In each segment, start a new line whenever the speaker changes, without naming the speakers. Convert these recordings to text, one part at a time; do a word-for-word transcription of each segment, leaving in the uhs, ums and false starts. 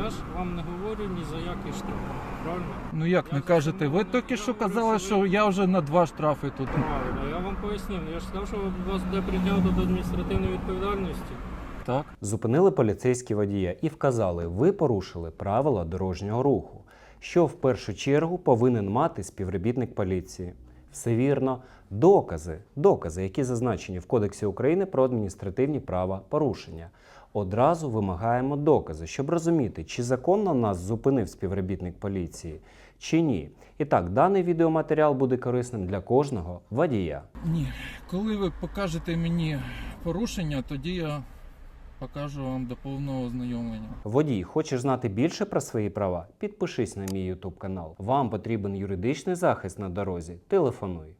Я ж вам не говорю ні за який штраф, правильно?
Ну як
Я
не кажете? Ви
зрозумів,
тільки
я
що
говорю,
казали,
що
що
ви-
я вже на два штрафи тут.
Правильно, я вам пояснив. Я ж сказав, що вас буде притягнуто до адміністративної відповідальності.
Так.
Зупинили поліцейські водія і вказали, ви порушили правила дорожнього руху, що в першу чергу повинен мати співробітник поліції. Все вірно. Докази, докази, які зазначені в Кодексі України про адміністративні правопорушення. Одразу вимагаємо докази, щоб розуміти, чи законно нас зупинив співробітник поліції, чи ні. І так, даний відеоматеріал буде корисним для кожного водія.
Ні. Коли ви покажете мені порушення, тоді я покажу вам до повного ознайомлення.
Водій, хочеш знати більше про свої права? Підпишись на мій YouTube канал. Вам потрібен юридичний захист на дорозі? Телефонуй.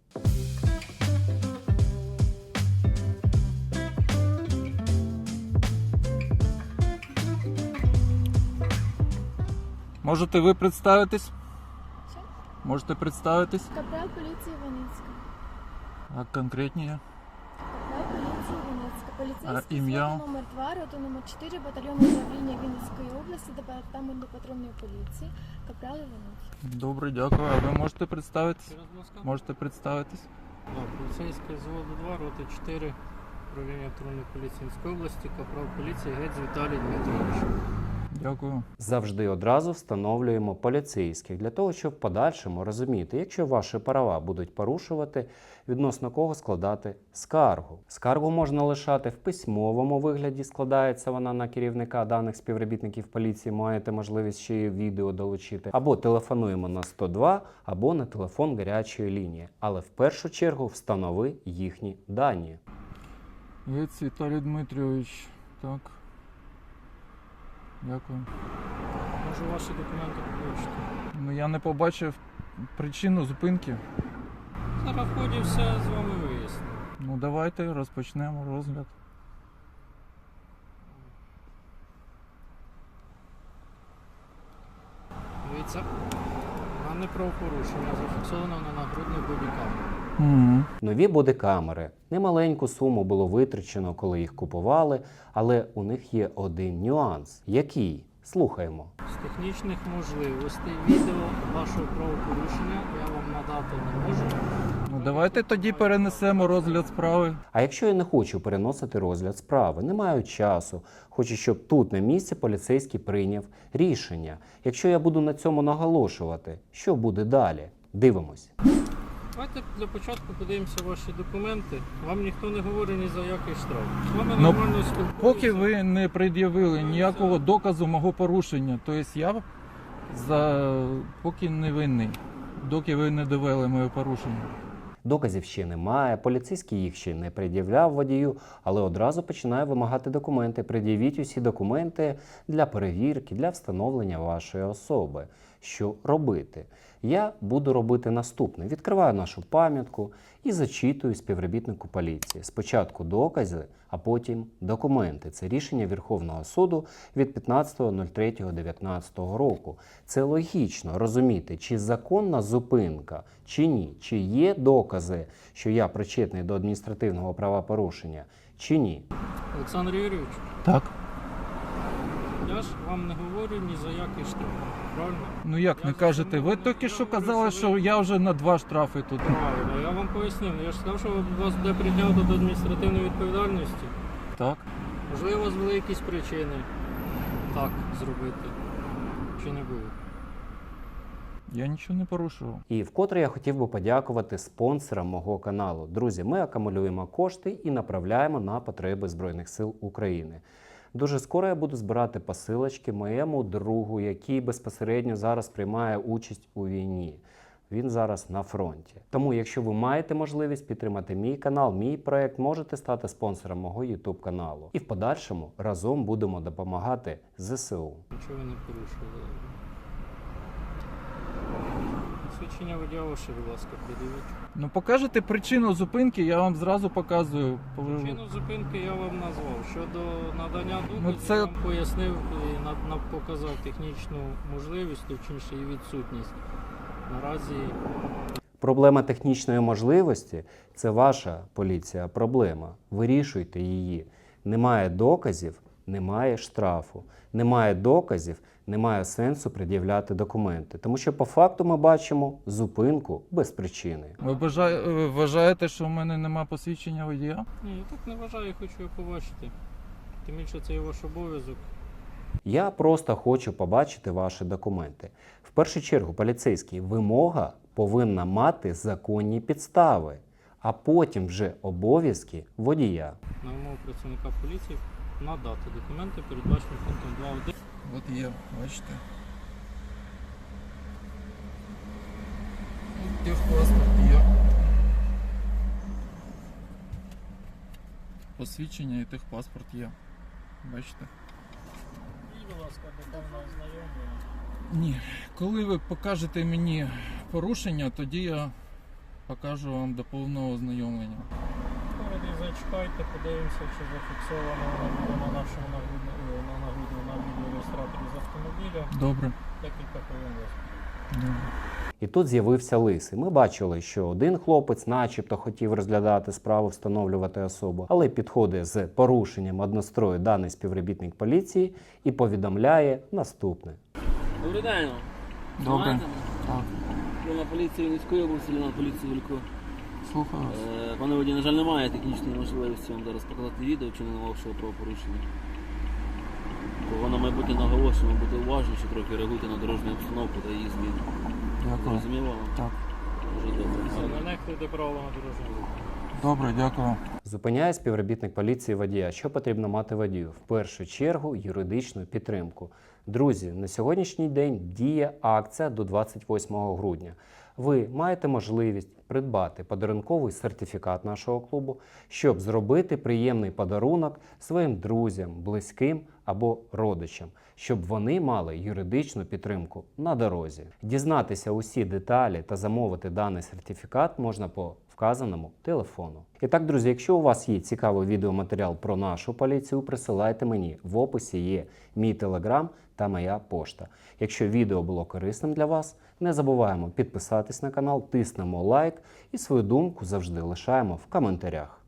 Можете ви представитись?
Що?
Можете представитись?
Капрал поліції Вінницька.
А конкретніше?
Капрал поліції Вінницька. Поліцейський
А ім'я?
служба номер два, рота номер чотири, батальйон управління Вінницької області, департаменту патрульної поліції. Капрал Іванович.
Добре, дякую. А ви можете представитись?
Ще раз, будь ласка.
Можете представитись?
Да, поліцейське взводу два, роти чотири, управління патрульної поліції Вінницької області, капрал поліції Гець Віталій Дмитрович.
Дякую.
Завжди одразу встановлюємо поліцейських для того, щоб в подальшому розуміти, якщо ваші права будуть порушувати, відносно кого складати скаргу. Скаргу можна лишати в письмовому вигляді, складається вона на керівника даних співробітників поліції, маєте можливість ще й відео долучити, або телефонуємо на сто два, або на телефон гарячої лінії. Але в першу чергу встанови їхні дані.
Гець Віталій Дмитрович. Так. Дякую.
Можу ваші документи побачити.
Ну я не побачив причину зупинки.
Зараз в ході все з вами виясню.
Ну давайте розпочнемо розгляд.
Дивіться, дане правопорушення зафіксовано на нагрудних бодікамерах.
Угу.
Нові бодикамери. Немаленьку суму було витрачено, коли їх купували, але у них є один нюанс. Який? Слухаємо.
З технічних можливостей відео вашого правопорушення я вам надати не можу.
Ну давайте тоді перенесемо розгляд справи.
А якщо я не хочу переносити розгляд справи, не маю часу, хочу, щоб тут на місці поліцейський прийняв рішення. Якщо я буду на цьому наголошувати, що буде далі? Дивимось.
Давайте для початку подивимося ваші документи. Вам ніхто не говорить ні за який штраф. З вами
Ну,
нормально спілкуюся.
Поки ви не пред'явили ніякого доказу мого порушення, тобто я за поки не винний, доки ви не довели моє порушення.
Доказів ще немає, поліцейський їх ще не пред'являв водію, але одразу починає вимагати документи. Пред'явіть усі документи для перевірки, для встановлення вашої особи. Що робити? Я буду робити наступне. Відкриваю нашу пам'ятку і зачитую співробітнику поліції. Спочатку докази, а потім документи. Це рішення Верховного суду від п'ятнадцятого третього дев'ятнадцятого року. Це логічно розуміти, чи законна зупинка, чи ні. Чи є докази, що я причетний до адміністративного правопорушення, чи ні.
Олександр Юрійович,
Так.
я ж вам не говорю ні за який штраф. Правильно?
Ну як не кажете? Ви тільки що казали, що я вже на два штрафи тут.
Правильно, я вам пояснив. Я ж сказав, що вас буде притягнуто до адміністративної відповідальності.
Так.
Можливо, у вас були якісь причини так зробити. Чи не було?
Я нічого не порушував.
І вкотре я хотів би подякувати спонсорам мого каналу. Друзі, ми акумулюємо кошти і направляємо на потреби Збройних сил України. Дуже скоро я буду збирати посилочки моєму другу, який безпосередньо зараз приймає участь у війні. Він зараз на фронті. Тому, якщо ви маєте можливість підтримати мій канал, мій проект, можете стати спонсором мого YouTube каналу. І в подальшому разом будемо допомагати зе се у.
Нічого ви не порушили. Свідчення водія ваше, будь ласка, придивіть.
Ну покажете причину зупинки, я вам зразу показую.
Причину зупинки я вам назвав. Щодо надання доказів,
Ну, це-
я вам пояснив і на- на- показав технічну можливість, точніше і відсутність. Наразі
Проблема технічної можливості – це ваша поліція проблема. Вирішуйте її. Немає доказів, немає штрафу, немає доказів, немає сенсу пред'являти документи. Тому що по факту ми бачимо зупинку без причини.
Ви бажає- ви вважаєте, що в мене нема посвідчення водія?
Ні, я так не вважаю, хочу його побачити. Тим більше це є ваш обов'язок.
Я просто хочу побачити ваші документи. В першу чергу, поліцейський, вимога повинна мати законні підстави, а потім вже обов'язки водія.
На вимогу працівника поліції надати документи, передбачені пунктом два один.
От є, бачите. От техпаспорт є. Посвідчення і техпаспорт є. Бачите?
І, будь ласка, до повного ознайомлення.
Ні. Коли ви покажете мені порушення, тоді я покажу вам до повного ознайомлення.
Тоді зачекайте, подивимося, чи зафіксовано воно буде на нашому нагрудному на нагрудному на відеореєстраторі з автомобіля.
Добре.
Декілька хвилин.
Добре.
І тут з'явився лисий. Ми бачили, що один хлопець начебто хотів розглядати справу, встановлювати особу, але підходить з порушенням однострою даний співробітник поліції і повідомляє наступне.
Добрий день.
Добре.
Знаєте?
Так.
Головна поліції Вінницької області, Ліна поліції Вілько.
Слухаю вас.
Е, Пане водій, на жаль, немає технічної можливості вам зараз показати відео вчиненого вашого правопорушення. Бо на майбутнє наголошуємо, бути уважніші, трохи реагуйте на дорожню обстановку та її зміни.
Дякую.
Зрозуміло вам?
Так.
Дуже добре.
Все, не нехтуйте правила на дорожньому руху.
Добре, дякую.
Зупиняє співробітник поліції водія. Що потрібно мати водію? В першу чергу юридичну підтримку. Друзі, на сьогоднішній день діє акція до двадцять восьмого грудня. Ви маєте можливість придбати подарунковий сертифікат нашого клубу, щоб зробити приємний подарунок своїм друзям, близьким або родичам, щоб вони мали юридичну підтримку на дорозі. Дізнатися усі деталі та замовити даний сертифікат можна по вказаному телефону. І так, друзі, якщо у вас є цікавий відеоматеріал про нашу поліцію, присилайте мені. В описі є мій телеграм та моя пошта. Якщо відео було корисним для вас, не забуваємо підписатись на канал, тиснемо лайк і свою думку завжди лишаємо в коментарях.